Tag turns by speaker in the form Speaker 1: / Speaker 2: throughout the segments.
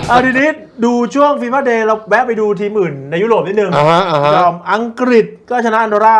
Speaker 1: ทีนี้ดูช่วงฟีฟ่าเดย์เราแวะไปดูทีมอื่นในยุโรปนิดนึงยอมอังกฤษก็ชนะอันโดรา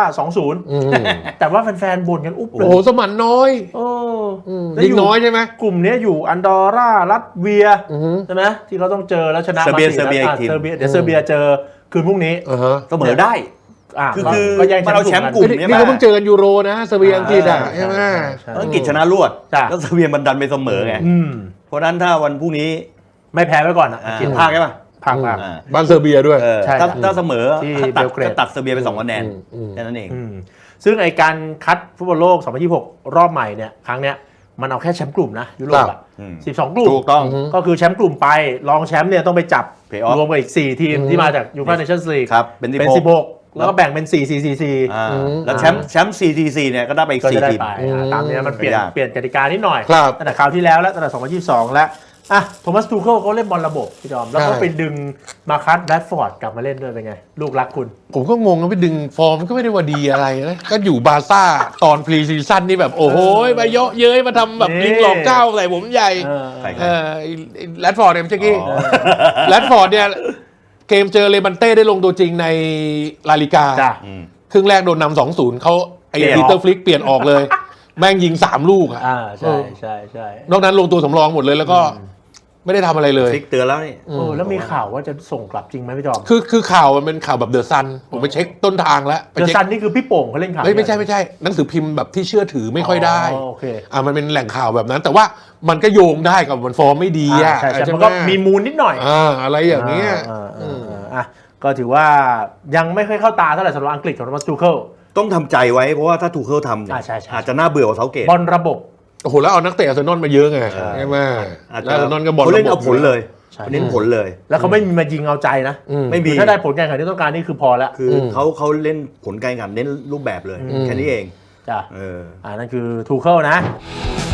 Speaker 1: 2-0 แต่ว่าแฟนๆบ่นกันอุ๊บเลย
Speaker 2: โอ้โหสมันน้อยยิงน้อยใช่ไหม
Speaker 1: กลุ่มนี้อยู่อันดอร่ารัสเวียใช่ไหมที่เขาต้องเจอแล้วชนะมา4
Speaker 3: เซอร์เบียอีกทีม
Speaker 1: เดี๋ยวเซอร์เบียเจอคืนพรุ่งนี้
Speaker 3: เสมอได้คือเราแชมป์กลุ่ม
Speaker 2: นี่เขาเพิ่งเจอกันยูโรนะเซอร์เบียอังกฤษใช่ไหม
Speaker 3: อังกฤษชนะรวดแล้วเซอร์เบียมันดันไปเสมอไงเพราะนั้นถ้าวันพรุ่งนี้
Speaker 1: ไม่แพ้ไว้ก่อน
Speaker 3: อังกฤษพากใช่ป่ะ
Speaker 1: พาก
Speaker 2: บ้านเซอร์เบียด้วย
Speaker 3: ถ้าเสมอตัดเซอร์เบียไป2 คะแนนแค่นั้นเอง
Speaker 1: ซึ่งไอการคัดฟุตบอลโลก 2026 รอบใหม่เนี่ยครั้งเนี้ยมันเอาแค่แชมป์กลุ่มนะยุโรป12 กลุ่ม
Speaker 3: ถูกต้อง
Speaker 1: ก็คือแชมป์กลุ่มไปรองแชมป์เนี่ยต้องไปจับรวมกับอีก4 ทีมที่มาจากยูฟ่าเนชั่นส์ลีกเป็น16แล้วก็แบ่งเป็น4-4-4-4
Speaker 3: แล้วแชมป์ 4-4 เนี่ยก็ได้ไปอีก4 ทีม
Speaker 1: ตามนี้มันเปลี่ยนกติกานิดหน่อย
Speaker 2: ตั้
Speaker 1: งแต่คราวที่แล้วและตั้งแต่2022แล้วโทมัสทูเคิลเขาเล่นบอลระบบพี่จอมแล้วก็ไปดึงมาคัสแรดฟอร์ดกลับมาเล่นด้วยเป็นไงลูกรักคุณ
Speaker 2: ผมก็งงนะไปดึงฟอร์มก็ไม่ได้ว่าดีอะไรนะก็อยู่บาร์ซ่าตอนพรีซีซั่นนี่แบบโอ้โหมาเยอะเย้ยมาทำแบบลิงหลอกเจ้าใส่ผมใหญ่แรดฟอร์ดเนี่ยเมื่อกี้แรดฟอร์ดเนี่ยเกมเจอเลบันเต้ได้ลงตัวจริงในลาลิกาครึ่งแรกโดนนำ 2-0เขาไอ้ปีเตอร์ฟลิกเปลี่ยนออกเลยแม่งยิง3 ลูก
Speaker 1: ใช่
Speaker 2: นอกนั้นลงตัวสำรองหมดเลยแล้วก็ไม่ได้ทำอะไรเลย
Speaker 3: ฟิกเตือนแล้วนี่
Speaker 1: แล้วมีข่าวว่าจะส่งกลับจริงไหมพี่จอม
Speaker 2: คือข่าวมันเป็นข่าวแบบเดอะซันผมไปเช็คต้นทางแล้ว
Speaker 1: เดอะซันนี่คือพี่โป่งเขาเล่นข่าว
Speaker 2: ไม่ใช่หนังสือพิมพ์แบบที่เชื่อถือไม่ค่อยได้มันเป็นแหล่งข่าวแบบนั้นแต่ว่ามันก็โยงได้กับมันฟอร์มไม่ดี
Speaker 1: ใช่มันก็มีมูลนิดหน่อย
Speaker 2: อะไรอย่างเงี้ย
Speaker 1: ก็ถือว่ายังไม่ค่อยเข้าตาเท่าไหร่สำหรับอังกฤษของโทมัสทูเคิล
Speaker 3: ต้องทำใจไว้เพราะว่าถ้าทูเคิลทำเนี่ยอาจจะน่าเบื่อกว่าเซาเกต
Speaker 1: บอลระบบ
Speaker 2: โอ้โหแล้วเอานักเตะอาร์เซนอลมาเยอะไงใช่ไหมแล้วอาร์เซนอลก็บอล
Speaker 3: เขาเล่นเอาผลเลยเน้นผลเลย
Speaker 1: แล้วเขาไม่มีมายิงเอาใจนะ
Speaker 3: ไม่มี
Speaker 1: ถ้าได้ผลการแข่งขันที่ต้องการนี่คือพอแล้ว
Speaker 3: คือเขาเล่นผลการแข่งขันเน้นรูปแบบเลยแค่นี้เอง
Speaker 1: จ้ะนั่นคือทูเคิลนะ